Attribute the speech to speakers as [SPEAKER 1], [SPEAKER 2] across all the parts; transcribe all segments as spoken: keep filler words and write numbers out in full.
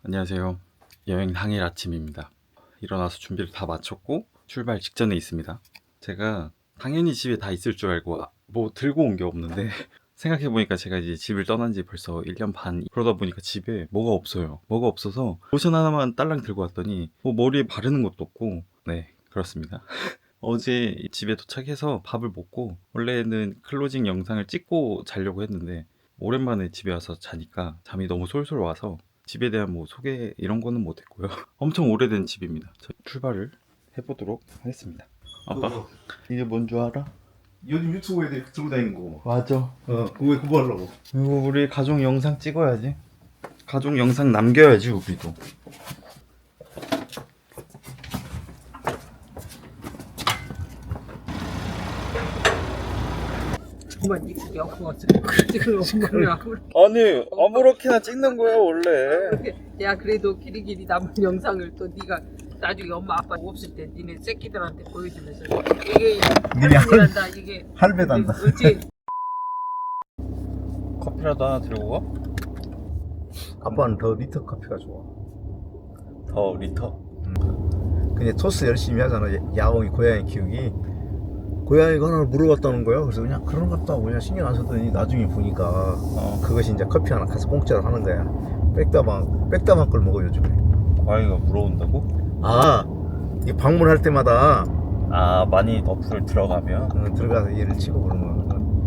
[SPEAKER 1] 안녕하세요. 여행 당일 아침입니다. 일어나서 준비를 다 마쳤고 출발 직전에 있습니다. 제가 당연히 집에 다 있을 줄 알고 아, 뭐 들고 온 게 없는데 생각해보니까 제가 이제 집을 떠난 지 벌써 일 년 반, 그러다 보니까 집에 뭐가 없어요. 뭐가 없어서 로션 하나만 딸랑 들고 왔더니 뭐 머리에 바르는 것도 없고, 네, 그렇습니다. 어제 집에 도착해서 밥을 먹고 원래는 클로징 영상을 찍고 자려고 했는데 오랜만에 집에 와서 자니까 잠이 너무 솔솔 와서 집에 대한 뭐 소개 이런 거는 못했고요. 엄청 오래된 집입니다. 저 출발을 해보도록 하겠습니다. 아빠,
[SPEAKER 2] 그거
[SPEAKER 1] 이게 뭔 줄 알아?
[SPEAKER 2] 요즘 유튜브 애들 들고 다니는 거.
[SPEAKER 1] 맞아.
[SPEAKER 2] 어, 그거 왜 그거 하려고?
[SPEAKER 1] 이거 우리 가족 영상 찍어야지. 가족 영상 남겨야지 우리도.
[SPEAKER 3] 정말 이쁘게 없어. 지금 엄마를 아무렇게.
[SPEAKER 1] 아니 아무렇게나 찍는 거야 원래.
[SPEAKER 3] 야 그래도 길이길이 남은 영상을 또 네가 나중에 엄마 아빠 없을 때 니네 새끼들한테 보여주면서 이게 할머니란다 이게
[SPEAKER 2] 할배단다.
[SPEAKER 3] 그렇지.
[SPEAKER 1] 커피라도 하나 들고 가?
[SPEAKER 2] 아빠는 더 리터 커피가 좋아.
[SPEAKER 1] 더 리터?
[SPEAKER 2] 근데 토스 열심히 하잖아. 야옹이 고양이 키우기. 고양이가 하나 물어봤다는 거야. 그래서 그냥 그런 것도 하고 그냥 신경 안 썼더니 나중에 보니까
[SPEAKER 1] 어.
[SPEAKER 2] 그것이 이제 커피 하나 가서 공짜로 하는 거야. 백다방 백다방 걸 먹어 요즘에.
[SPEAKER 1] 고양이가 물어온다고?
[SPEAKER 2] 아, 이 방문할 때마다
[SPEAKER 1] 아 많이 어플 들어가면?
[SPEAKER 2] 어, 들어가서 얘를 치고 그러는 거야.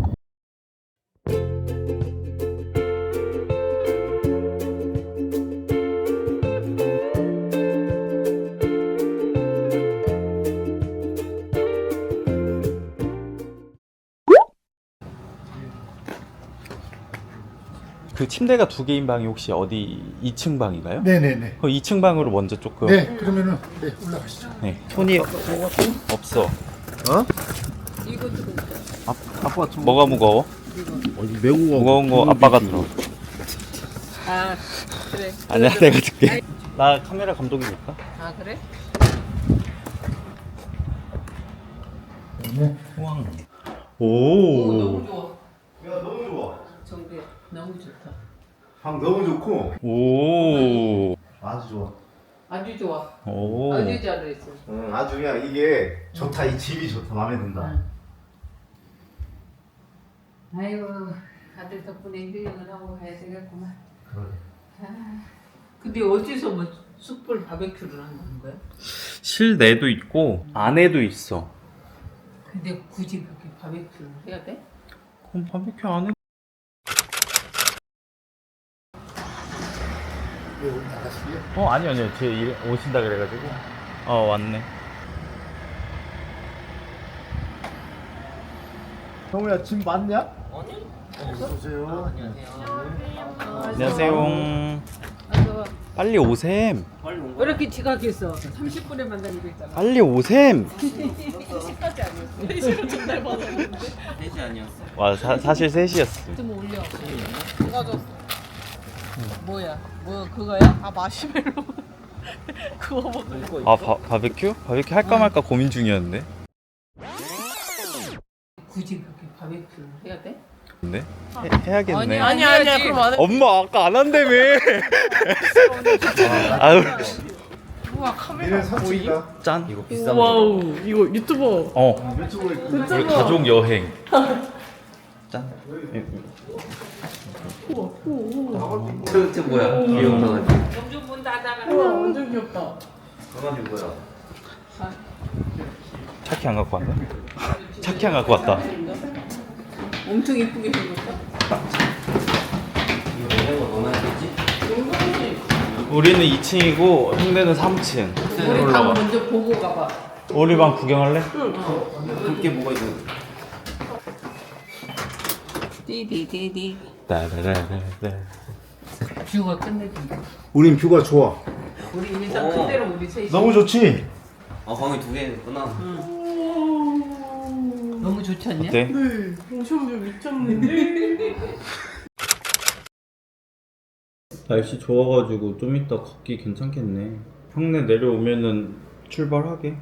[SPEAKER 1] 그 침대가 두 개인 방이 혹시 어디 이 층 방인가요?
[SPEAKER 4] 네네네.
[SPEAKER 1] 그 이 층 방으로 먼저 조금.
[SPEAKER 4] 네, 그러면은 네 올라가시죠.
[SPEAKER 1] 네. 손이 없어.
[SPEAKER 2] 어?
[SPEAKER 3] 이것도
[SPEAKER 2] 아, 아빠 좀
[SPEAKER 1] 뭐가 무거워?
[SPEAKER 2] 어디 매우
[SPEAKER 1] 무거운 거 아빠가 들어.
[SPEAKER 3] 아 그래.
[SPEAKER 1] 아니야 내가 들게. 나 카메라 감독이 될까?
[SPEAKER 3] 아 그래?
[SPEAKER 4] 네.
[SPEAKER 1] 우왕.
[SPEAKER 3] 오,
[SPEAKER 1] 오.
[SPEAKER 3] 너무 좋아.
[SPEAKER 2] 야 너무 좋아.
[SPEAKER 3] 정배 너무 좋다.
[SPEAKER 2] 방 너무 좋고
[SPEAKER 1] 오.
[SPEAKER 2] 아주 좋아.
[SPEAKER 3] 아주 좋아.
[SPEAKER 1] 오.
[SPEAKER 3] 아주 잘했어.
[SPEAKER 2] 응, 아주 그냥 이게 좋다. 이 집이 좋다. 마음에 든다.
[SPEAKER 3] 응. 아이고 아들 덕분에 여행을 하고 가야 되겠구만.
[SPEAKER 2] 그래.
[SPEAKER 3] 아, 근데 어디서 뭐 숯불 바베큐를 하는 거야?
[SPEAKER 1] 실내도 있고 안에도 있어.
[SPEAKER 3] 근데 굳이 그렇게 바베큐를 해야 돼?
[SPEAKER 1] 그럼 바베큐 안 해?
[SPEAKER 4] 네, 오늘 나가시게요?
[SPEAKER 1] 어 아니 아니요 제 일 오신다 그래가지고. 어 왔네.
[SPEAKER 2] 형우야 짐 맞냐?
[SPEAKER 4] 오세요.
[SPEAKER 1] 안녕하세요.
[SPEAKER 3] 아서
[SPEAKER 1] 빨리 오셈.
[SPEAKER 3] 왜 이렇게 지각했어? 삼십 분에 만나기로 했잖아.
[SPEAKER 1] 빨리 오셈.
[SPEAKER 3] 시까지 아니었어. 네 시간 전날 받았는데.
[SPEAKER 1] 와 사, 사실 세 시였어.
[SPEAKER 3] 좀 올려. 누가 줬어? 뭐야? 뭐 그거야? 아 마시멜로. 그거 먹고.
[SPEAKER 1] 아 바, 바베큐? 바베큐 할까 말까 고민 중이었는데.
[SPEAKER 3] 굳이 그렇게 바베큐를 해야 돼?
[SPEAKER 1] 근데 해, 해야겠네.
[SPEAKER 3] 아니 아니야. 그럼 안 해.
[SPEAKER 1] 엄마 아까 안 한다며. 아유
[SPEAKER 3] 우와 카메라.
[SPEAKER 2] 얘는 삼촌이다.
[SPEAKER 1] 짠. 이거 비싼
[SPEAKER 3] 와우 이거 유튜버.
[SPEAKER 1] 어.
[SPEAKER 2] 유튜브에
[SPEAKER 1] 우리 가족 여행. 짠.
[SPEAKER 5] 저저 뭐야? 귀여운 강아지.
[SPEAKER 3] 영준 문 닫아라.
[SPEAKER 5] 완전 귀엽다. 강아지 뭐야?
[SPEAKER 1] 차키 안 갖고 왔나? 차키 안 갖고 왔다.
[SPEAKER 3] 엄청 이쁘게 생겼다.
[SPEAKER 5] 이거 내가 얼마나 되지?
[SPEAKER 1] 우리는 이 층이고 형네는 삼 층.
[SPEAKER 3] 우리 방 먼저 보고 가봐.
[SPEAKER 1] 우리 방 구경할래?
[SPEAKER 5] 그렇게 뭐가 있어?
[SPEAKER 3] 디디디디.
[SPEAKER 1] 따라라라라.
[SPEAKER 3] 뷰가 끝내준다.
[SPEAKER 2] 우린 뷰가 좋아.
[SPEAKER 3] 우리 일단
[SPEAKER 5] 어.
[SPEAKER 3] 그대로 우리 셋이.
[SPEAKER 2] 너무 좋지?
[SPEAKER 5] 아 방이 두 개구나.
[SPEAKER 3] 너무 좋지 않냐?
[SPEAKER 1] 어때?
[SPEAKER 6] 네, 엄청 미쳤는데.
[SPEAKER 1] 날씨 좋아가지고 좀 이따 걷기 괜찮겠네. 형네 내려오면은 출발하게.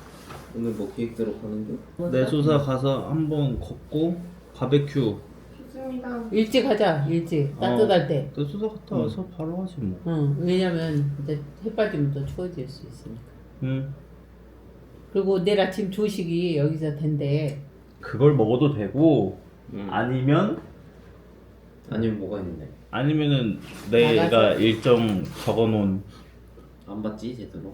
[SPEAKER 5] 오늘 뭐 계획대로 가는 중?
[SPEAKER 1] 내조사 가서 한번 걷고 바베큐
[SPEAKER 6] 좋습니다.
[SPEAKER 3] 일찍 하자. 일찍 따뜻할 때.
[SPEAKER 1] 또 수도 갔다 와서 바로 하지 뭐.
[SPEAKER 3] 응. 왜냐면 이제 해 빠지면 더 추워질 수 있으니까.
[SPEAKER 1] 응.
[SPEAKER 3] 그리고 내일 아침 조식이 여기서 된대.
[SPEAKER 1] 그걸 먹어도 되고
[SPEAKER 5] 응.
[SPEAKER 1] 아니면
[SPEAKER 5] 아니면 뭐가 있는데?
[SPEAKER 1] 아니면은 내가
[SPEAKER 3] 나가서?
[SPEAKER 1] 일정 적어놓은
[SPEAKER 5] 안 봤지 제대로.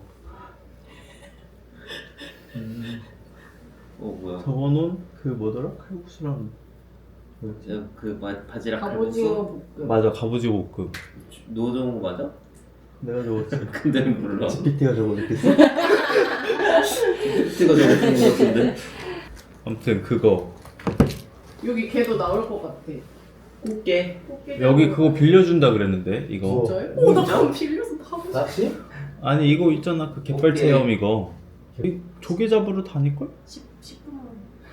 [SPEAKER 5] 어 뭐야?
[SPEAKER 1] 적어놓은 그 뭐더라 칼국수랑
[SPEAKER 5] 저 그 바, 바지락
[SPEAKER 6] 갑오징어
[SPEAKER 5] 칼국수?
[SPEAKER 6] 볶음.
[SPEAKER 1] 맞아 갑오징어 볶음.
[SPEAKER 5] 노정우 맞아?
[SPEAKER 1] 내가 적었지.
[SPEAKER 5] 근데 몰라.
[SPEAKER 1] 지피티가 적어줬겠어.
[SPEAKER 5] 티가 적어주는 것 같은데.
[SPEAKER 1] 아무튼 그거
[SPEAKER 6] 여기 걔도 나올 것 같아.
[SPEAKER 5] 꽃게.
[SPEAKER 6] 꽃게
[SPEAKER 1] 여기 그거 빌려준다 그랬는데 이거.
[SPEAKER 6] 진짜요? 오, 나 그럼 빌려서 타고 싶어.
[SPEAKER 2] 낚시?
[SPEAKER 1] 아니 이거 있잖아 그 갯벌
[SPEAKER 5] 오케이.
[SPEAKER 1] 체험 이거. 이 조개 잡으러 다닐걸?
[SPEAKER 6] 십 분만.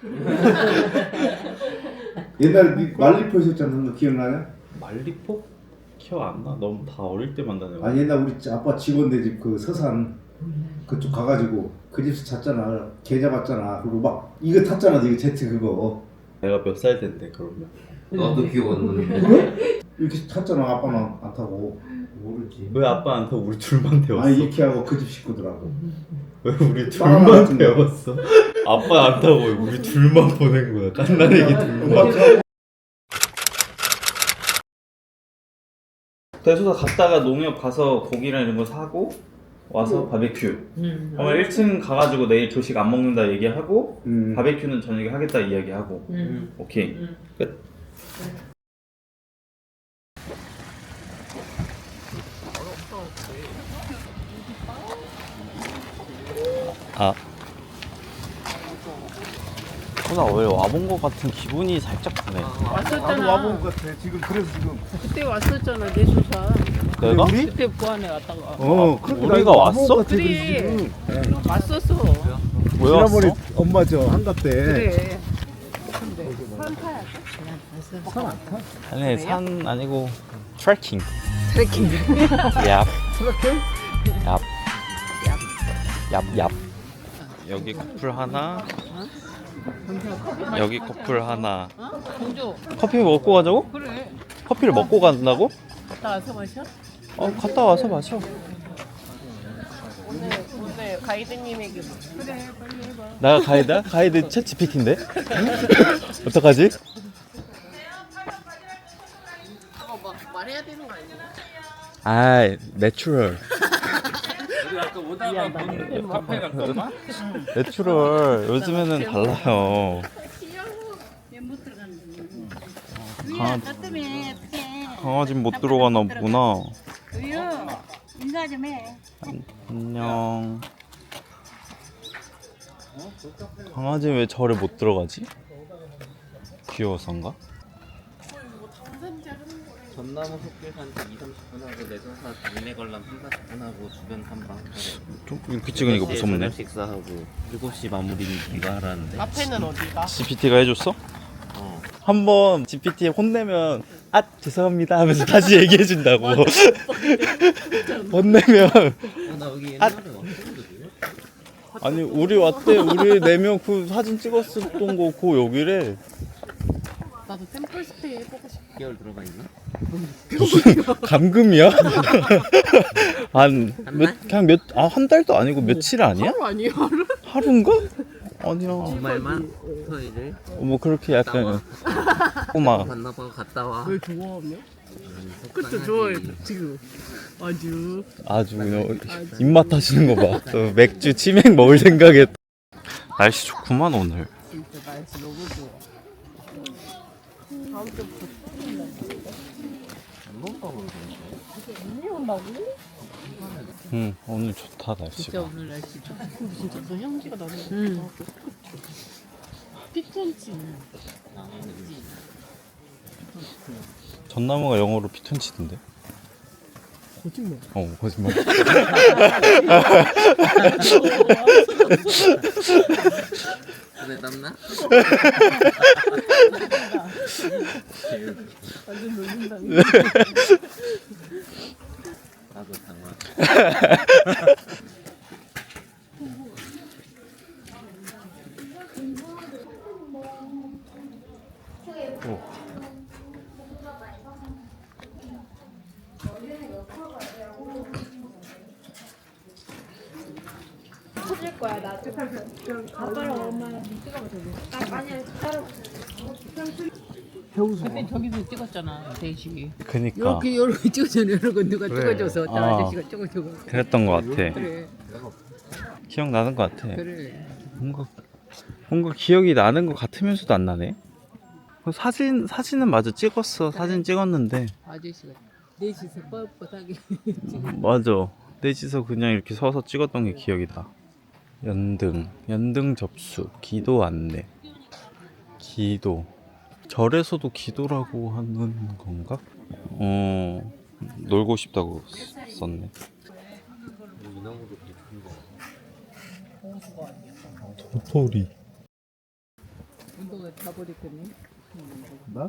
[SPEAKER 2] 옛날에 니 말리포 있었잖아. 너 기억나냐?
[SPEAKER 1] 말리포? 기억 안 나. 너무 다 어릴 때만 다녀.
[SPEAKER 2] 아니 옛날 우리 아빠 직원네 집 그 서산 그쪽 가가지고 그 집에서 잤잖아. 개 잡았잖아. 그리고 막 이거 탔잖아. 이거 제트 그거
[SPEAKER 1] 내가 몇 살 된데 그러면?
[SPEAKER 5] 나도 기억 안 나는데.
[SPEAKER 2] 이렇게 탔잖아. 아빠는 안 타고. 모르지.
[SPEAKER 1] 왜 아빠한테 우리 둘만 태웠어?
[SPEAKER 2] 아니 이렇게 하고 그 집 식구들하고.
[SPEAKER 1] 왜 우리
[SPEAKER 2] 빠라
[SPEAKER 1] 둘만
[SPEAKER 2] 같은 거.
[SPEAKER 1] 태웠어? 아빠 안 타고 우리 둘만 보낸 거야. 깐난애기 둘만. 대소사 갔다가 농협 가서 고기랑 이런 거 사고 와서 바베큐.
[SPEAKER 3] 응.
[SPEAKER 1] 그러면 일 층 가가지고 내일 조식 안 먹는다 얘기하고
[SPEAKER 2] 음.
[SPEAKER 1] 바베큐는 저녁에 하겠다 이야기하고.
[SPEAKER 3] 응.
[SPEAKER 1] 오케이.
[SPEAKER 3] 응.
[SPEAKER 1] 끝. 아. 나 왜 와본 것 같은 기분이 살짝 드네.
[SPEAKER 3] 왔었잖아.
[SPEAKER 2] 것 같아. 지금 그래서 지금.
[SPEAKER 3] 그때 왔었잖아. 내 조사.
[SPEAKER 1] 내가?
[SPEAKER 2] 우리?
[SPEAKER 3] 그때 부안에 왔다가.
[SPEAKER 2] 어.
[SPEAKER 1] 우리가 왔어?
[SPEAKER 3] 그래. 왔었어.
[SPEAKER 1] 왜 왔어?
[SPEAKER 2] 엄마 저 한갑 때.
[SPEAKER 3] 그래.
[SPEAKER 1] 아니 산 아니고 트레킹.
[SPEAKER 3] 트레킹.
[SPEAKER 1] 얍. 트레킹? 얍. 얍. 얍. 여기 커플 하나. 여기 커플 하나.
[SPEAKER 3] 공주.
[SPEAKER 1] 커피 먹고 가자고?
[SPEAKER 3] 그래.
[SPEAKER 1] 커피를 먹고 간다고?
[SPEAKER 3] 갔다 와서 마셔?
[SPEAKER 1] 어 갔다 와서 마셔.
[SPEAKER 6] 오늘 오늘 가이드님에게 그래 빨리 해봐.
[SPEAKER 1] 나가 가이드야? 가이드 챗 지피티인데? 어떡하지?
[SPEAKER 6] 그거 막 말해야 되는 거 아니야?
[SPEAKER 1] 아, 내추럴.
[SPEAKER 3] 카페 갔구만.
[SPEAKER 1] 내추럴. 요즘에는 달라요. 강아지, 강아지 못 들어가나 보구나.
[SPEAKER 7] 우유 인사 좀 해.
[SPEAKER 1] 안녕. 강아지 왜 절에 못 들어가지? 귀여워서인가?
[SPEAKER 5] 전나무 숲길 산책 이, 삼십 분 하고 내전사 동네 관람 삼, 사십 분 하고 주변 탐방
[SPEAKER 1] 좀 이렇게 찍으니까 무섭네.
[SPEAKER 5] 저녁 식사하고 일곱 시 마무리 네가 하라는데.
[SPEAKER 6] 앞에는 어디가?
[SPEAKER 1] 지피티가 해줬어?
[SPEAKER 5] 어.
[SPEAKER 1] 한번 지피티에 혼내면 아 죄송합니다 하면서 다시 얘기해준다고. 혼내면
[SPEAKER 5] 어, 나 여기 옛날에 왔었는데.
[SPEAKER 1] 아니 우리 왔대. 우리 네 명 그 사진 찍었었던 거 그 여기래.
[SPEAKER 6] 나도 템플 스테이 해보고 싶어.
[SPEAKER 5] 육 개월 들어가 있나?
[SPEAKER 1] 무슨 감금이야? 한 몇 그냥 몇 아 한 달도 아니고 며칠 아니야?
[SPEAKER 6] 하루 아니야 하루?
[SPEAKER 1] 하루인가? 아니야.
[SPEAKER 5] 주말만 토요일을
[SPEAKER 1] 뭐 그렇게 약간 꼬마.
[SPEAKER 5] 만나봐 갔다 와.
[SPEAKER 6] 왜 좋아하며? 그쵸
[SPEAKER 5] 속상하지.
[SPEAKER 6] 좋아해 지금 아주
[SPEAKER 1] 아주 그냥 입맛 하시는 거 봐. 또 맥주 치맥 먹을 생각에. 날씨 좋구만 오늘.
[SPEAKER 6] 진짜 날씨 너무 좋아. 다음 주부터 눈이 온다고?
[SPEAKER 1] 응 오늘 좋다
[SPEAKER 3] 진짜
[SPEAKER 1] 날씨가.
[SPEAKER 3] 오늘 날씨 좋아.
[SPEAKER 6] 근데 진짜 그 향기가 나는 거
[SPEAKER 3] 응.
[SPEAKER 6] 같아. 피톤치.
[SPEAKER 1] 전나무가 영어로 피톤치던데.
[SPEAKER 6] 거짓말.
[SPEAKER 1] 어 거짓말.
[SPEAKER 5] 손에 땀나?
[SPEAKER 6] 완전 놀린다니.
[SPEAKER 5] 나도 당황.
[SPEAKER 6] 빠질 거야 나. 아빠랑 엄마랑 찍어봐 저기. 아 아니야 따로.
[SPEAKER 3] 그때 저기서 찍었잖아 대시.
[SPEAKER 1] 그니까
[SPEAKER 3] 이렇게 이렇게 찍었잖아. 이렇게 누가
[SPEAKER 2] 그래.
[SPEAKER 3] 찍어줘서 저
[SPEAKER 1] 아.
[SPEAKER 3] 아저씨가 찍어주고.
[SPEAKER 1] 그랬던 것 같아.
[SPEAKER 3] 그래
[SPEAKER 1] 기억나는 것 같아.
[SPEAKER 3] 그래.
[SPEAKER 1] 뭔가 뭔가 기억이 나는 것 같으면서도 안 나네. 그 사진 사진은 맞아 찍었어. 사진 찍었는데
[SPEAKER 3] 아저씨가 넷이서 뻣뻣하게
[SPEAKER 1] 맞아. 넷이서 그냥 이렇게 서서 찍었던 게 기억이 나. 연등 연등 접수 기도 안내 기도 절에서도 기도라고 하는 건가? 어 놀고 싶다고 썼네. 도토리
[SPEAKER 3] 운동을 다 버렸겠네.
[SPEAKER 2] 나?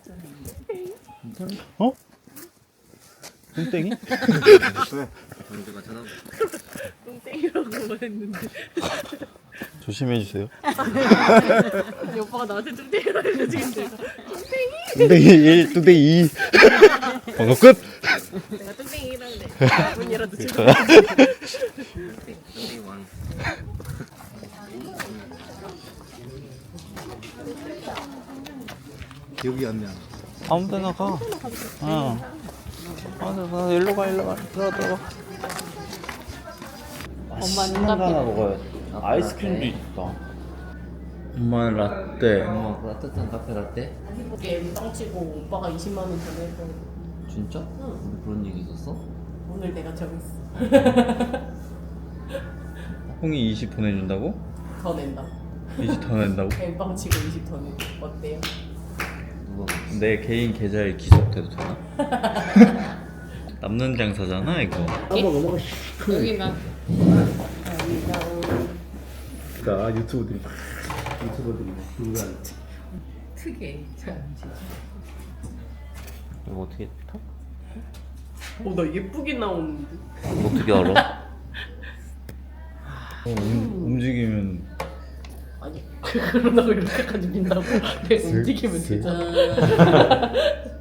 [SPEAKER 1] 어? 뚱땡이?
[SPEAKER 5] 경주가 전화
[SPEAKER 6] 똥땡이라고 했는데.
[SPEAKER 1] 조심해주세요.
[SPEAKER 6] 아니 오빠가 나한테 똥땡이라고 해서 지금 내가
[SPEAKER 1] 뚱땡이 일, 뚱땡이 이. 방금 끝!
[SPEAKER 6] 내가 똥땡이라는데 문이라도 찍어.
[SPEAKER 5] 땡땡이 왕.
[SPEAKER 2] 기억이 안 나.
[SPEAKER 1] 아무 데나 가. 어. 아, 나 일로 가, 일로 가. 들어가, 들어가.
[SPEAKER 6] 엄마는
[SPEAKER 1] 하나
[SPEAKER 6] 카페.
[SPEAKER 1] 먹어야 돼. 아이스크림도 있다. 엄마는 라떼.
[SPEAKER 5] 엄마 따뜻한 카페 라떼?
[SPEAKER 6] 이게 빵치고 오빠가 이십만 원 전화했던
[SPEAKER 5] 진짜?
[SPEAKER 6] 응.
[SPEAKER 5] 우리 그런 얘기 있었어?
[SPEAKER 6] 오늘 내가 정했어.
[SPEAKER 1] 홍이 이십 보내준다고?
[SPEAKER 6] 더 낸다.
[SPEAKER 1] 이십 더 낸다고?
[SPEAKER 6] 엠빵 치고 이십 더 내. 어때요?
[SPEAKER 5] 누가
[SPEAKER 1] 내 개인 계좌에 기속돼도 되나? 남는 장사잖아 이거.
[SPEAKER 3] 여기 나
[SPEAKER 2] 나 유튜브들이 유튜버들이 누구한테
[SPEAKER 3] 특이해. 참.
[SPEAKER 5] 이거 어떻게 타?
[SPEAKER 6] 어나 예쁘게 나오는데.
[SPEAKER 5] 어떻게 알아?
[SPEAKER 1] 어, 움, 움직이면
[SPEAKER 6] 아니 그러다고 이렇게까지 민다고. 내가 움직이면 되잖아.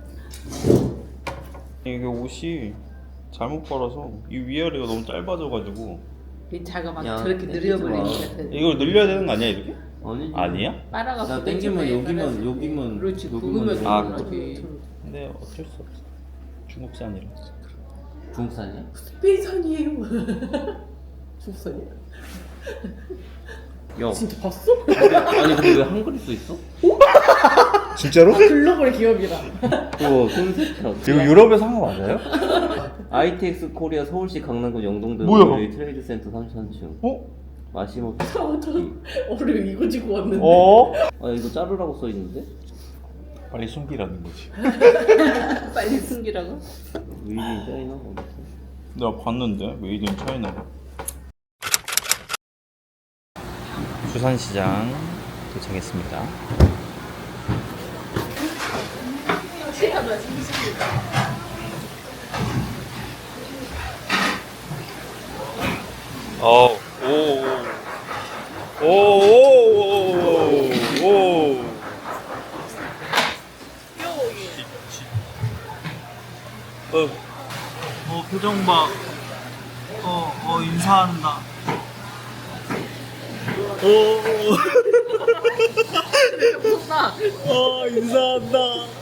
[SPEAKER 1] 이게 옷이 잘못 빨아서 이 위아래가 너무 짧아져가지고
[SPEAKER 3] 이 자가 막
[SPEAKER 5] 야,
[SPEAKER 3] 저렇게
[SPEAKER 5] 땡기지
[SPEAKER 3] 느려버리는
[SPEAKER 5] 마.
[SPEAKER 3] 것 같아.
[SPEAKER 1] 이걸 늘려야 되는 거 아니야 이렇게?
[SPEAKER 5] 아니지.
[SPEAKER 1] 아니야?
[SPEAKER 3] 빨아갖고
[SPEAKER 5] 나 땡기면
[SPEAKER 3] 땡겨봐야
[SPEAKER 5] 여기만
[SPEAKER 3] 빨아서.
[SPEAKER 5] 여기만
[SPEAKER 3] 그렇지
[SPEAKER 5] 여기만
[SPEAKER 3] 구우면
[SPEAKER 1] 아,
[SPEAKER 3] 되는
[SPEAKER 1] 그-
[SPEAKER 3] 거지.
[SPEAKER 1] 근데 어쩔 수 없어. 중국산이라.
[SPEAKER 5] 중국산이야?
[SPEAKER 6] 스페인산이에요. 중산이야.
[SPEAKER 5] 야
[SPEAKER 6] 진짜 봤어?
[SPEAKER 5] 아니 근데 왜 한글이 써 있어?
[SPEAKER 2] 진짜로?
[SPEAKER 6] 글로벌 기업이라.
[SPEAKER 5] 그거 콘셉트라고.
[SPEAKER 1] 이거 유럽에서 한 거 맞아요?
[SPEAKER 5] 아이티엑스 코리아 서울시 강남구 영동동
[SPEAKER 1] 뭐야?
[SPEAKER 5] 트레이드 센터 삼십삼 층.
[SPEAKER 1] 어?
[SPEAKER 5] 마시모.
[SPEAKER 6] 어를 이거 지고 왔는데.
[SPEAKER 1] 어?
[SPEAKER 5] 아 이거 자르라고 써 있는데?
[SPEAKER 1] 빨리 숨기라는 거지.
[SPEAKER 3] 빨리 숨기라고?
[SPEAKER 5] 위인 짜이나 어딨어?
[SPEAKER 1] 내가 봤는데 메이드 인 차이나가. 부산시장 도착했습니다. 어, 오, 오, 오, 오, 오. 어, 어 표정 봐. 어, 어 인사한다. 오,
[SPEAKER 3] 무섭다.
[SPEAKER 1] 어 인사한다.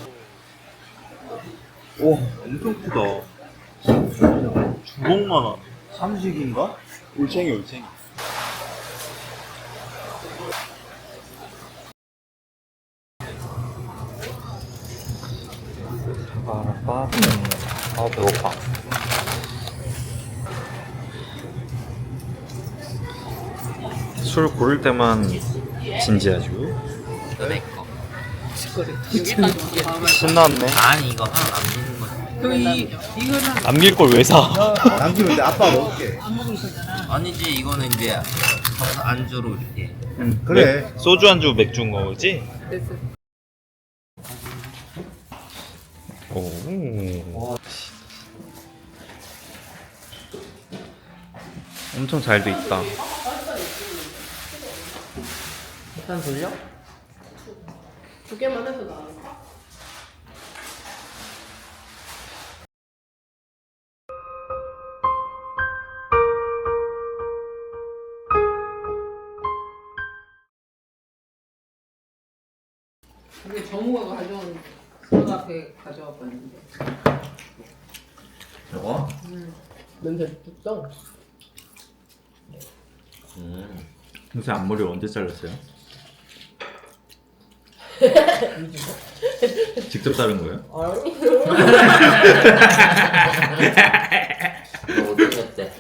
[SPEAKER 1] 와, 엄청 크다. 주먹만하. 삼식인가? 올챙이, 올챙이. 아, 아, 배고파. 술 고를 때만 진지하죠.
[SPEAKER 5] 이거 내 거.
[SPEAKER 1] 신났네.
[SPEAKER 5] 아니 이거 하나 남기는 거지.
[SPEAKER 3] 그이 이거는
[SPEAKER 1] 남길 걸 왜 사?
[SPEAKER 2] 남기면 내 아빠 먹을게.
[SPEAKER 3] 안 먹을 거잖아.
[SPEAKER 5] 아니지 이거는 이제 가서 안주로 이렇게.
[SPEAKER 2] 응, 그래.
[SPEAKER 1] 소주 안주 맥주인 거지?
[SPEAKER 3] 됐어.
[SPEAKER 1] 오. 엄청 잘 돼 있다.
[SPEAKER 5] 일단 돌려?
[SPEAKER 6] 두 개만 해도 나아.
[SPEAKER 3] 이게 정우가 가져온 선 앞에 가져와 봤는데.
[SPEAKER 5] 저거?
[SPEAKER 3] 음. 냄새 뚝떡.
[SPEAKER 5] 음.
[SPEAKER 1] 요새 앞머리 언제 잘랐어요? 직접 자른 거예요?
[SPEAKER 5] 너 못생겼대.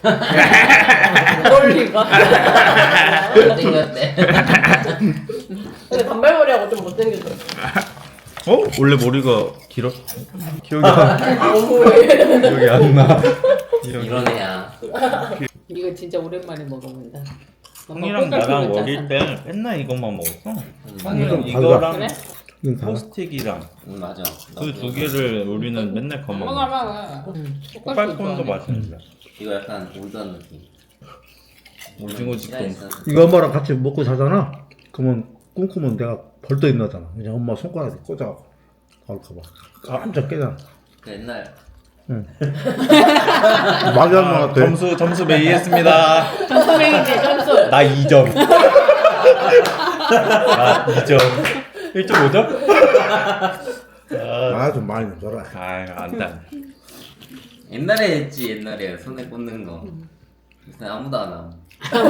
[SPEAKER 6] 멀리가.
[SPEAKER 5] 못생겼대.
[SPEAKER 6] 근데 단발머리하고 좀 못생겼어.
[SPEAKER 1] 어? 원래 머리가 길었... 기억이 안,
[SPEAKER 6] 너무해.
[SPEAKER 1] 기억이 안 나.
[SPEAKER 5] 이런 애야.
[SPEAKER 3] 이거 진짜 오랜만에 먹어본다.
[SPEAKER 1] 형이랑 나랑 어릴 때 맨날 이것만 먹었어.
[SPEAKER 5] 음,
[SPEAKER 1] 형이랑
[SPEAKER 2] 달라.
[SPEAKER 1] 이거랑
[SPEAKER 3] 그래?
[SPEAKER 2] 이건 다
[SPEAKER 1] 포스틱이랑
[SPEAKER 5] 음, 맞아.
[SPEAKER 1] 그 두 개를 우리는 맨날
[SPEAKER 3] 먹어
[SPEAKER 1] 겁먹어.
[SPEAKER 3] 먹어.
[SPEAKER 1] 꽃갈콘도 맛있는데.
[SPEAKER 5] 이거 약간 올드한 느낌.
[SPEAKER 1] 오징어
[SPEAKER 5] 시간이
[SPEAKER 1] 집도
[SPEAKER 5] 있어서.
[SPEAKER 2] 이거 엄마랑 같이 먹고 자잖아. 그러면 꿈꾸면 내가 벌떡 일어나잖아. 그냥 엄마 손가락에 꽂아 나올까봐 깜짝 깨잖아.
[SPEAKER 5] 그 옛날
[SPEAKER 2] 응. 말이 안 나왔대.
[SPEAKER 1] 점수 점수 매기했습니다.
[SPEAKER 6] 점수맹이네 점수.
[SPEAKER 1] 나 이 점. 나 이 점. 일 점 오 점?
[SPEAKER 2] 아, 좀 많이 넣어라.
[SPEAKER 1] 아유 안돼.
[SPEAKER 5] 옛날에 했지 옛날에 손에 꽂는 거. 요새 아무도 안 함.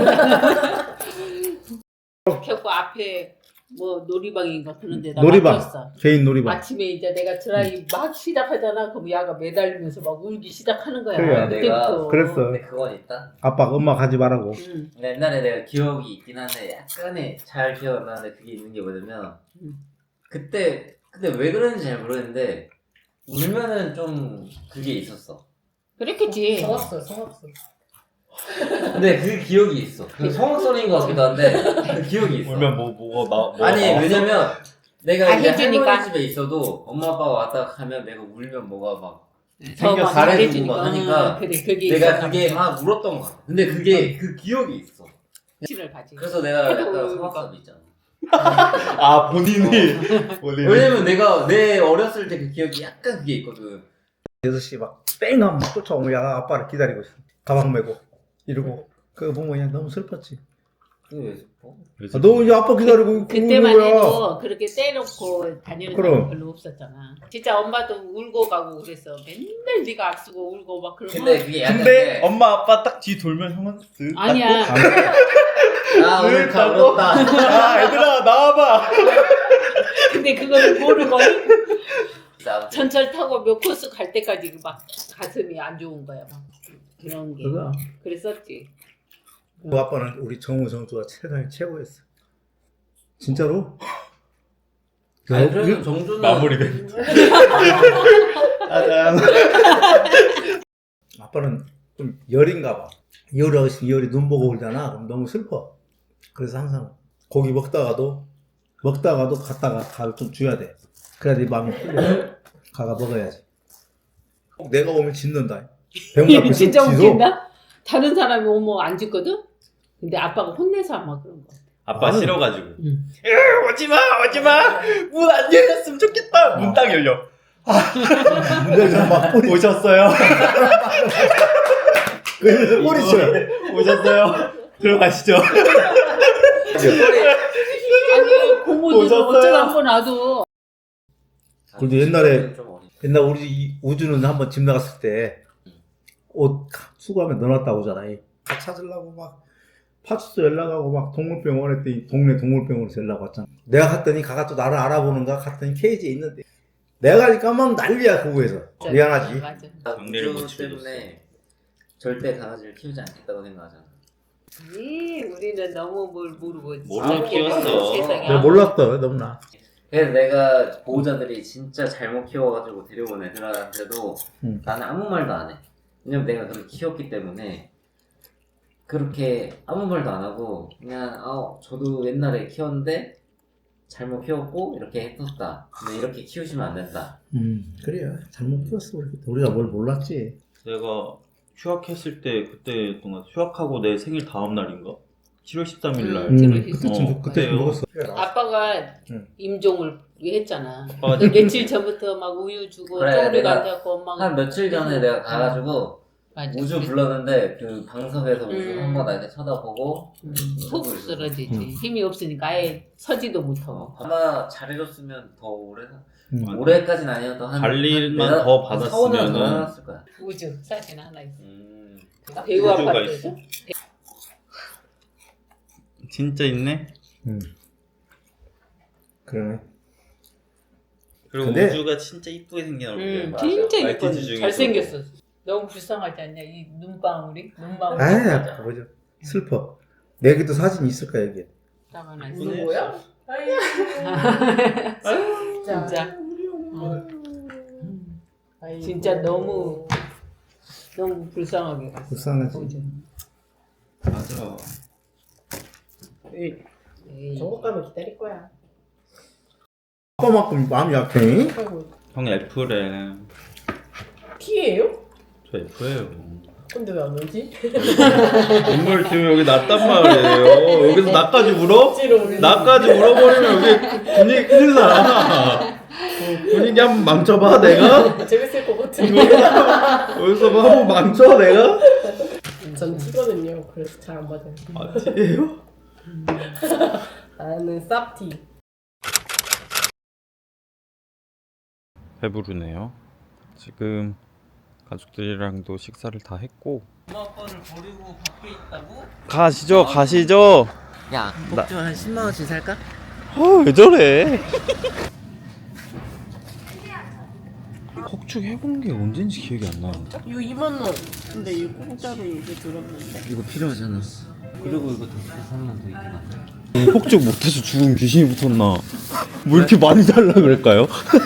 [SPEAKER 3] 켜고 앞에 뭐 놀이방인가 그런 데다
[SPEAKER 2] 놀이방.
[SPEAKER 3] 맡겼어.
[SPEAKER 2] 개인 놀이방.
[SPEAKER 3] 아침에 이제 내가 드라이 막 시작하잖아. 그럼 야가 매달리면서 막 울기 시작하는 거야.
[SPEAKER 2] 그래,
[SPEAKER 3] 그때부터.
[SPEAKER 2] 그랬어.
[SPEAKER 5] 근데 그건 있다.
[SPEAKER 2] 아빠가 엄마 가지 말라고.
[SPEAKER 3] 응.
[SPEAKER 5] 근데 옛날에 내가 기억이 있긴 한데 약간의 잘 기억 안 나는데 그게 있는 게 뭐냐면
[SPEAKER 3] 음.
[SPEAKER 5] 그때 근데 왜 그런지 잘 모르겠는데 울면은 좀 그게 있었어.
[SPEAKER 3] 그랬겠지.
[SPEAKER 6] 성악수 성악수.
[SPEAKER 5] 근데 그 기억이 있어. 그 성악소리인 것 같기도 한데 그 기억이 있어.
[SPEAKER 1] 울면 뭐 뭐가 나 뭐
[SPEAKER 5] 아니
[SPEAKER 1] 나왔어?
[SPEAKER 5] 왜냐면 내가
[SPEAKER 3] 다
[SPEAKER 5] 이제
[SPEAKER 3] 해주니까.
[SPEAKER 5] 할머니 집에 있어도 엄마 아빠가 왔다 가면 내가 울면 뭐가 막
[SPEAKER 3] 더
[SPEAKER 5] 생겨
[SPEAKER 3] 막
[SPEAKER 5] 잘해주고 막
[SPEAKER 3] 잘해주니까.
[SPEAKER 5] 하니까
[SPEAKER 3] 응, 그래, 그게
[SPEAKER 5] 내가
[SPEAKER 3] 있었나
[SPEAKER 5] 그게
[SPEAKER 3] 보다.
[SPEAKER 5] 막 울었던 거야. 근데 그게 그 기억이 있어.
[SPEAKER 3] 치를 가지.
[SPEAKER 5] 그래서 내가 약간
[SPEAKER 3] 아이고,
[SPEAKER 5] 성악사도 있잖아.
[SPEAKER 1] 아 본인이 본인이.
[SPEAKER 5] 왜냐면 내가 내 어렸을 때 그 기억이 약간 그게 있거든.
[SPEAKER 2] 여섯 시 막 뺑 하면 막 쫓아오면 야가 아빠를 기다리고 있어. 가방 메고 이러고. 그거 보면 그냥 너무 슬펐지.
[SPEAKER 5] 그게 왜 슬퍼?
[SPEAKER 2] 아, 너 이제 아빠 기다리고 있고
[SPEAKER 3] 그때만
[SPEAKER 2] 우는 거야.
[SPEAKER 3] 해도 그렇게 떼놓고 다니는
[SPEAKER 2] 그럼.
[SPEAKER 3] 사람 별로 없었잖아. 진짜 엄마도 울고 가고 그랬어. 맨날 네가 앞서고 울고 막 그러면.
[SPEAKER 5] 근데 그게 약간
[SPEAKER 1] 근데
[SPEAKER 5] 그-
[SPEAKER 1] 엄마 아빠 딱 뒤 돌면 형은 쓱
[SPEAKER 3] 아니야.
[SPEAKER 5] 아 오늘 다
[SPEAKER 1] 닦고.
[SPEAKER 5] 울었다.
[SPEAKER 1] 아 얘들아 나와봐.
[SPEAKER 3] 근데 그거를 모르고
[SPEAKER 5] 진짜
[SPEAKER 3] 전철 타고 몇 코스 갈 때까지 막 가슴이 안 좋은 거야. 막 그런 게.
[SPEAKER 2] 그거.
[SPEAKER 3] 그랬었지.
[SPEAKER 2] 그 아빠는 우리 정우 성수가 세상에 최고였어. 진짜로?
[SPEAKER 5] 아니
[SPEAKER 2] 야,
[SPEAKER 5] 그래도
[SPEAKER 2] 이-
[SPEAKER 5] 정주는
[SPEAKER 1] 마무리 멘트. 짜잔.
[SPEAKER 2] 아빠는 좀 열인가 봐. 열이 어시 열이 눈 보고 울잖아. 그럼 너무 슬퍼. 그래서 항상 고기 먹다가도 먹다가도 갔다가 가를 좀 줘야 돼. 그래야 네 마음이 풀려. 가가 먹어야지. 꼭 내가 오면 짖는다. 배운 앞에
[SPEAKER 3] 진짜
[SPEAKER 2] 짖어.
[SPEAKER 3] 웃긴다. 다른 사람이 오면 안 짖거든. 근데 아빠가 혼내서 아마 그런 거.
[SPEAKER 1] 아빠
[SPEAKER 2] 나는-
[SPEAKER 1] 싫어가지고.
[SPEAKER 3] 응.
[SPEAKER 1] 으, 오지마 오지마. 문 안 열렸으면 좋겠다. 문 딱 열려.
[SPEAKER 2] 문제에서 막 뿌리
[SPEAKER 1] 오셨어요.
[SPEAKER 2] 그래서 뿌리쳐.
[SPEAKER 1] 오셨어요. 들어가시죠.
[SPEAKER 3] 아니 고모들은
[SPEAKER 1] 오셨어요?
[SPEAKER 3] 어쩌라고 놔도.
[SPEAKER 2] 그래도 옛날에-
[SPEAKER 5] 좀 어리-
[SPEAKER 2] 옛날 우리 이 우주는 한번 집 나갔을 때 옷 수거하면 넣어놨다고 오잖아. 다 찾으려고 막 파출소 연락하고 막 동물병원 했더니 동네 동물병원에서 연락 왔잖아. 내가 갔더니 가가 또 나를 알아보는가 갔더니 케이지에 있는데 내가 가니까 막 난리야 거기에서. 미안하지.
[SPEAKER 3] 맞아.
[SPEAKER 1] 강제를 못
[SPEAKER 5] 우주
[SPEAKER 1] 치러줬어.
[SPEAKER 5] 때문에 절대 강아지를 키우지 않겠다고 생각하잖아.
[SPEAKER 3] 아니 우리는 너무 뭘 모르고
[SPEAKER 1] 모르고
[SPEAKER 3] 아무것도
[SPEAKER 1] 키웠어.
[SPEAKER 3] 세상에
[SPEAKER 2] 내가 몰랐어 너무나.
[SPEAKER 5] 그래서 내가 보호자들이 진짜 잘못 키워가지고 데려온 애들한테도
[SPEAKER 2] 음.
[SPEAKER 5] 나는 아무 말도 안 해. 왜냐면 내가 그렇게 키웠기 때문에 그렇게 아무 말도 안 하고 그냥 아 저도 옛날에 키웠는데 잘못 키웠고 이렇게 했었다. 근데 이렇게 키우시면 안 된다.
[SPEAKER 2] 음 그래요. 잘못 키웠어 우리. 우리가 뭘 몰랐지.
[SPEAKER 1] 내가 휴학했을 때 그때 동안 휴학하고 내 생일 다음 날인가? 칠월 십삼일 날.
[SPEAKER 3] 음. 칠월
[SPEAKER 2] 그때쯤
[SPEAKER 1] 어,
[SPEAKER 2] 그때
[SPEAKER 1] 그때요.
[SPEAKER 2] 먹었어.
[SPEAKER 3] 아빠가
[SPEAKER 2] 응.
[SPEAKER 3] 임종을 했잖아.
[SPEAKER 1] 아빠가
[SPEAKER 3] 근데 며칠 전부터 막 우유 주고
[SPEAKER 5] 그래,
[SPEAKER 3] 쪼그리고
[SPEAKER 5] 내가
[SPEAKER 3] 앉았고 엄마가
[SPEAKER 5] 한 며칠 전에 내가 가가지고
[SPEAKER 3] 맞아.
[SPEAKER 5] 우주 불렀는데 그 방석에서 우주
[SPEAKER 3] 음.
[SPEAKER 5] 한번 이렇게 쳐다보고
[SPEAKER 3] 음, 속 쓰러지지.
[SPEAKER 2] 음.
[SPEAKER 3] 힘이 없으니까 아예 서지도 못하고.
[SPEAKER 5] 아마 잘해줬으면 더 오래 사-
[SPEAKER 2] 음.
[SPEAKER 5] 올해까지는 아니어도 한
[SPEAKER 1] 관리만
[SPEAKER 5] 한
[SPEAKER 1] 더
[SPEAKER 5] 한 사, 오 년 더
[SPEAKER 1] 받았으면은-
[SPEAKER 5] 해놨을 거야.
[SPEAKER 3] 우주 사진 하나 있어.
[SPEAKER 5] 음.
[SPEAKER 3] 배우
[SPEAKER 1] 우주가
[SPEAKER 3] 아파트.
[SPEAKER 1] 있어? 진짜 있네.
[SPEAKER 2] 음. 그러네.
[SPEAKER 1] 그리고
[SPEAKER 2] 근데-
[SPEAKER 1] 우주가 진짜 이쁘게 생긴 얼굴이야.
[SPEAKER 3] 음,
[SPEAKER 5] 맞아.
[SPEAKER 3] 진짜
[SPEAKER 1] 말티즈
[SPEAKER 3] 이쁜.
[SPEAKER 1] 중에서도.
[SPEAKER 3] 잘생겼어. 너무 불쌍하지 않냐? 이 눈방울이? 눈방울.
[SPEAKER 2] 아야, 보자. 슬퍼. 내기도 사진 있을 거야, 여기.
[SPEAKER 3] 딱 하나 있어.
[SPEAKER 1] 이쁘네.
[SPEAKER 3] 뭐야? 진짜. 음. 진짜 너무 너무 불쌍하게 갔어.
[SPEAKER 2] 불쌍하지.
[SPEAKER 3] 우주.
[SPEAKER 1] 맞아.
[SPEAKER 3] 에이.
[SPEAKER 8] 전국 가면 기다릴 거야.
[SPEAKER 2] 아빠만큼 마음이 약해.
[SPEAKER 1] 형 F래.
[SPEAKER 8] T예요?
[SPEAKER 1] 저 F예요.
[SPEAKER 8] 근데 왜 안 오지?
[SPEAKER 1] 인물 지금 여기 났단 말이에요. 여기서 나까지 물어? 나까지 물어버리면 여기 분위기 큰일 나. 어, 분위기 한번 망쳐봐 내가?
[SPEAKER 8] 재밌을 것 같은데.
[SPEAKER 1] 여기서 뭐 한번 망쳐 내가?
[SPEAKER 8] 전 T거든요. 그래서 잘 안 맞아요.
[SPEAKER 1] 아 T예요?
[SPEAKER 8] 나는 쌉 T.
[SPEAKER 1] 배부르네요. 지금 가족들이랑도 식사를 다 했고
[SPEAKER 5] 엄마 아빠를 버리고 밖에 있다고?
[SPEAKER 1] 가시죠 가시죠.
[SPEAKER 5] 야, 복주 한 십만 원씩 살까?
[SPEAKER 1] 아왜 저래? 폭죽 해본 게 언젠지 기억이 안 나는데.
[SPEAKER 8] 이거 이만 원. 근데 이거 공짜로 이게 들었는데.
[SPEAKER 5] 이거 필요하잖아. 그리고 이거 다섯 삼만 더 있긴 한데.
[SPEAKER 1] 폭죽 못해서 죽은 귀신이 붙었나? 뭐 이렇게 많이 달라 그럴까요?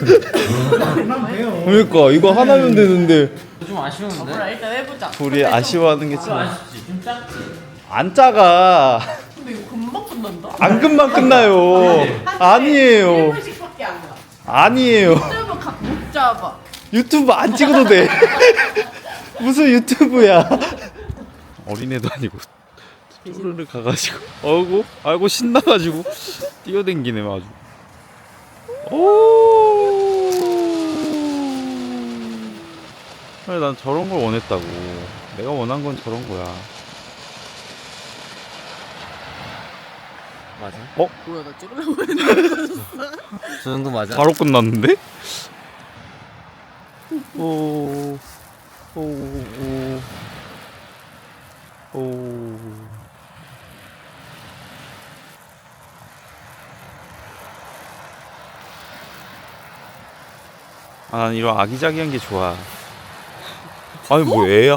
[SPEAKER 1] 그러니까 이거 하나면 되는데
[SPEAKER 5] 좀 아쉬운데?
[SPEAKER 8] 몰라, 일단 해보자.
[SPEAKER 1] 둘이 아쉬워하는 게 참.
[SPEAKER 5] 아쉽지. 좀 작지.
[SPEAKER 1] 안 작아.
[SPEAKER 8] 근데 이거 금방 끝난다.
[SPEAKER 1] 안 금방 끝나요. 아니에요.
[SPEAKER 8] 일 분씩밖에 안 가.
[SPEAKER 1] 아니에요.
[SPEAKER 8] 짧아 가- 못 잡아.
[SPEAKER 1] 유튜브 안 찍어도 돼. 무슨 유튜브야? 어린애도 아니고 뚜루를 가가지고 어구 아이고 신나가지고 뛰어댕기네 아주. 오. 아니 난 저런 걸 원했다고. 내가 원한 건 저런 거야.
[SPEAKER 5] 맞아?
[SPEAKER 1] 어?
[SPEAKER 8] 뭐야, 나 찍으려고 했는데.
[SPEAKER 5] 저 정도 맞아?
[SPEAKER 1] 바로 끝났는데? 오, 오, 오, 오. 아, 난 이런 아기자기한 게 좋아. 아니, 뭐 애야?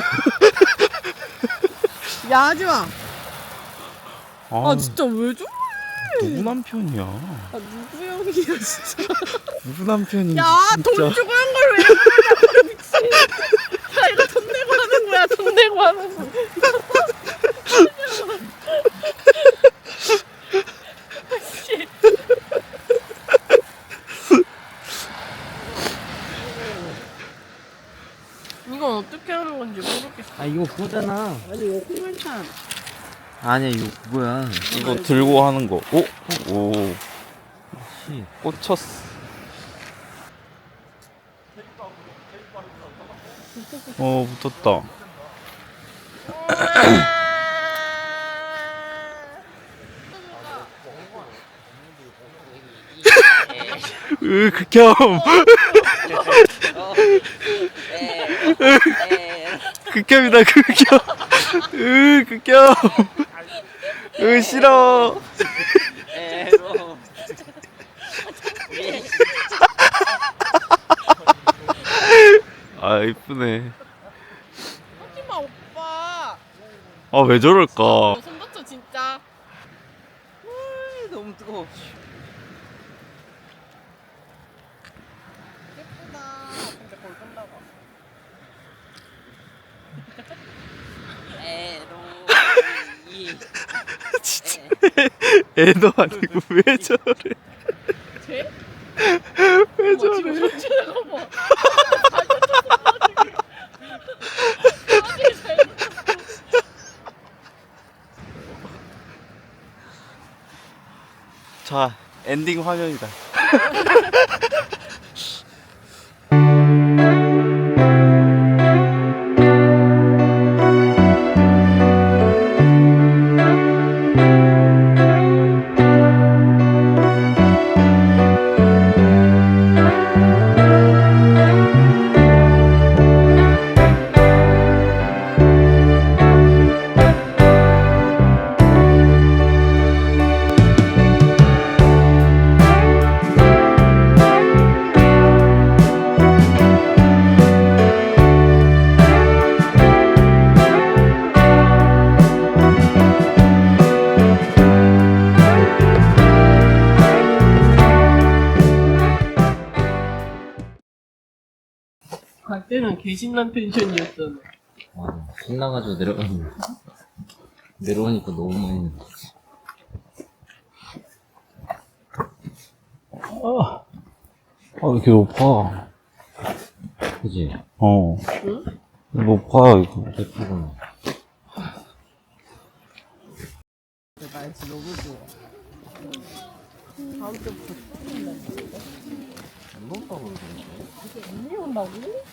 [SPEAKER 8] 야, 하지 마.
[SPEAKER 1] 아,
[SPEAKER 8] 아, 진짜 왜 저래?
[SPEAKER 1] 누구 남편이야?
[SPEAKER 8] 아, 누구 형이야, 진짜.
[SPEAKER 1] 누구 남편인지
[SPEAKER 8] 야,
[SPEAKER 1] 진짜.
[SPEAKER 8] 돈 주고 한 걸 왜 그러냐고, 미친. 야, 이거 돈 내고 하는 거야, 돈 내고 하는 거. 이건 어떻게 하는 건지 모르겠어.
[SPEAKER 5] 아 이거 그거잖아.
[SPEAKER 8] 아니, 이거 콩알탄.
[SPEAKER 5] 아니야 이거 그거야.
[SPEAKER 1] 이거 들고 하는 거. 오, 오,
[SPEAKER 5] 씨.
[SPEAKER 1] 꽂혔어. 어, 붙었다. 으, 극혐. 극혐이다, 극혐. 으, 극혐. 으, 싫어. 아, 이쁘네.
[SPEAKER 8] 하지마, 오빠.
[SPEAKER 1] 아, 왜 저럴까?
[SPEAKER 8] 손 다쳐, 진짜.
[SPEAKER 5] 너무 뜨거워.
[SPEAKER 8] 예쁘다. 진짜 거의 끝나가.
[SPEAKER 1] 애도 아니고 왜 저래?
[SPEAKER 8] 쟤?
[SPEAKER 1] 왜
[SPEAKER 8] 어머, 지금
[SPEAKER 1] 저래?
[SPEAKER 8] 손질해가 봐.
[SPEAKER 1] 자, 엔딩 화면이다.
[SPEAKER 8] 그때는 개신난 펜션이었잖아.
[SPEAKER 5] 와, 신나가지고 내려가는 내려오니까 너무 많이.
[SPEAKER 1] 아, 아, 왜 이렇게 높아?
[SPEAKER 5] 그지?
[SPEAKER 1] 어.
[SPEAKER 8] 응?
[SPEAKER 1] 높아, 이거.
[SPEAKER 5] 예쁘구나.
[SPEAKER 8] 날씨 너무 좋아. 다음 주부터
[SPEAKER 5] 안 본다고 그러는데.
[SPEAKER 8] 언니 온다고?